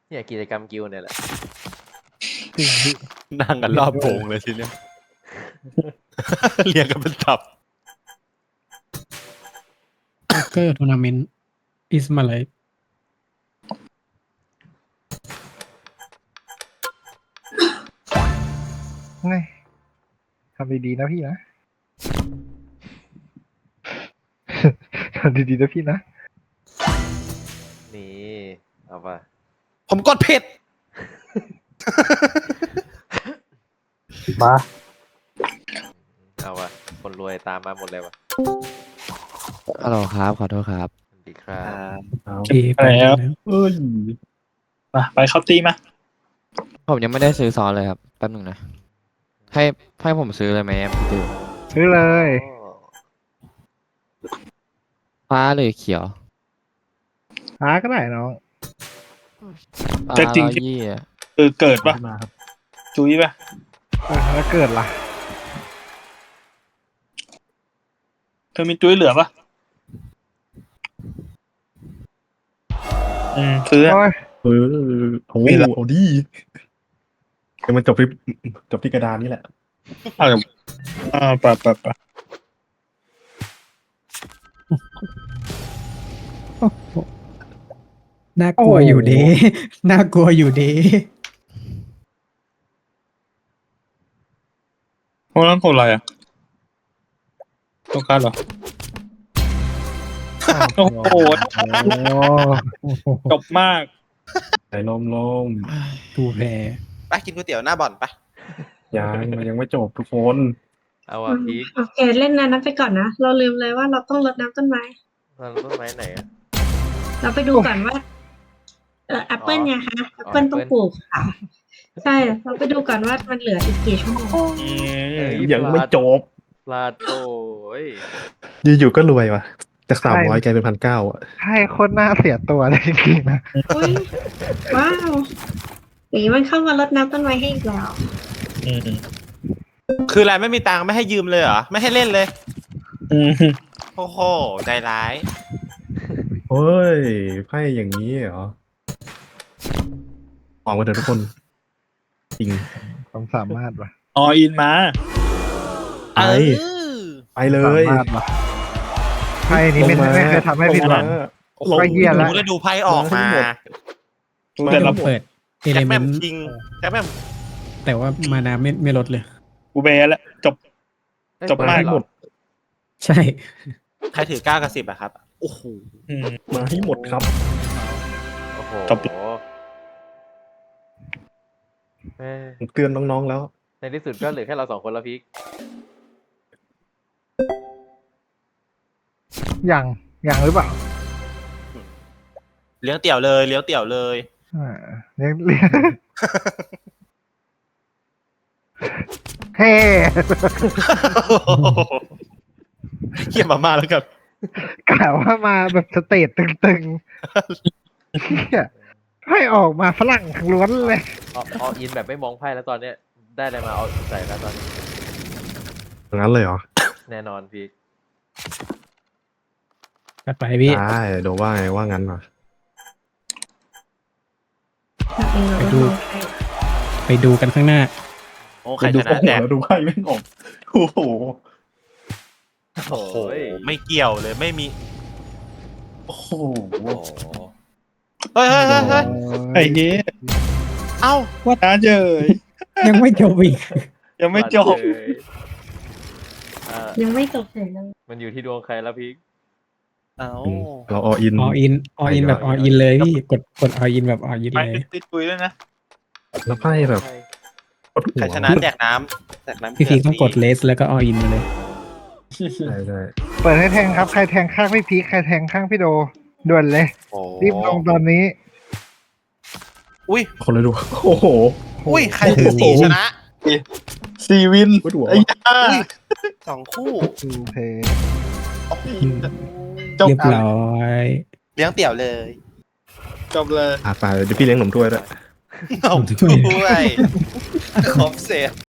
เนี่ยกิจกรรมกิลด์เนี่ยแหละนั่งกันรอบโพงเลยทีเนี้ย เรียงกันเป็นตับโป๊กเกอร์ทัวร์นาเมนต์อิสมาไลท์ไงทำดีๆนะพี่นะ ทำดีๆนะพี่นะนี่เอาป่ะผมกดผิดมาเอาป่ะคนรวยตามมาหมดเลยว่ะฮัลโหลครับ ขอโทษครับสวัสดีครับโอเคไปแล้วเอ้ยไปเข้าตีมาผมยังไม่ได้ซื้อซอสเลยครับ แป๊บหนึงนะ ให้ผมซื้อเลยไหมพี่ติวซื้อเลยฟ้าหรือเขียวหาก็ได้น้องฟ้าแต่จริง 120อะเกิดปะจุ้ยปะแล้วเกิดล่ะเธอมีจุ้ยเหลือปะซื้อโอ้ยโอ้โหเอาดีเดี๋ยวมันจบที่กระดานนี่แหละปะน่ากลัวอยู่ดี น่ากลัวอยู่ดีโอ้นั่นคนอะไรอ่ะต้องการเหรอ โอ้โหโอ้โหจบมากไหนลมดูแพ้ไปกินก๋วยเตี๋ยวหน้าบ่อนไปยังไม่จบทุกคนเอาว่ะพีคโอเคเล่นนั้นไปก่อนนะ เราลืมเลยว่าเราต้องรดน้ำต้นไม้เราต้นไม้ไหนอะเราไปดูก่อนว่าแอปเปิลไงคะแอปเปิล Apple ต้องปลูกค่ะ ใช่ เราไปดูก่อนว่ามันเหลืออีกกี่ชั่วโมงยังไม่จบพลาดโอ้ยอยู่ๆก็รวยว่ะจาก300กลายเป็น1,900อ่ะใช่โคตรน่าเสียตัวเลยจริงๆนะอุ้ยว้าวอย่างนี้มันเข้ามารดน้ำต้นไม้ให้อีกแล้วคืออะไรไม่มีตังค์ไม่ให้ยืมเลยเหรอ ไม่ให้เล่นเลย โอ้โห ใจร้ายเฮ้ยไพ่อย่างนี้เหรอหวังว่าเดี๋ยวทุกคน จริงความสามารถว่ะออินมาไป ไปเลสาย มารถว่ะไพ่นี้ไม่เคยทำให้ผิดหวังโอ้โหก็เหี้ยละดูแล้วดูไพ่ออกมาแต่ละเปิดเอแจ็เลคเมแม่นมต์คิงแจ็คแม่มแต่ว่ามานาไม่ลดเลยกูเบแล้วจบเอ้ยจบมากเหรอใช่ใครถือ9 กับ 10อะครับ โอ้โหมาให้หมดครับโอ้โหจบเอ้ยผมเตือนน้องๆแล้วในที่สุดก็เหลือแค่เราสองคนแล้วพีคอย่างหรือเปล่าเลี้ยงเตี่ยวเลยเลี้ยงเตี่ยวเลยเรียกเฮ้เขี่ยมาม่าแล้วกันกล่าวว่ามาแบบสเตจตึงๆเหี้ยให้ออกมาฝรั่งล้วนเลยเอาอินแบบไม่มองไพ่แล้วตอนเนี้ย ได้อะไรมาเอาใส่แล้วตอนนี้งั้นเลยเหรอแน่นอนพีคกัดไปพี่ได้เดี๋ยวว่าไงว่างั้นเหรอเราเองเราก็มองใครไปดูกันข้างหน้าโอ้ใครชนะแจกแล้วดูไพ่ไม่ออกโอ้โหโอ้โห ไม่เกี่ยวเลยไม่มีโอ้โหโอ้โหเฮ้ยเฮ้ยเฮ้ยเฮ้ยไอ้เงี้ยเอ้าน้าเจยยังไม่จบอีกยังไม่จบเลยยังไม่จบเลยเลยมันอยู่ที่ดวงใครแล้วพีคเอ้าเราออินออินแบบออินเลยพี่กดออินแบบออินไปเลยติดจุ้ยด้วยนะแล้วไพ่แบบปวดหัวใครชนะแจกน้ำแจกน้ำพี่พีต้องกดเลสแล้วก็ออินมาเลยใช่ใช่เปิดให้แทงครับ ใครแทงข้างพี่พีคใครแทงข้างพี่โดด่วนเลยโอ้รีบลงตอนนี้อุ้ยคนเลยดู โอ้โหอุ้ยใครถือสีชนะซีวินปวดหัวไอ้ย่า 2 คู่ดูเพย์โอ้โหจบเรียบร้อยเลี้ยงเตี่ยวเลยจบเลยไปเดี๋ยวพี่เลี้ยงหนมถ้วยด้วยเอาด้วยครบเสร็จ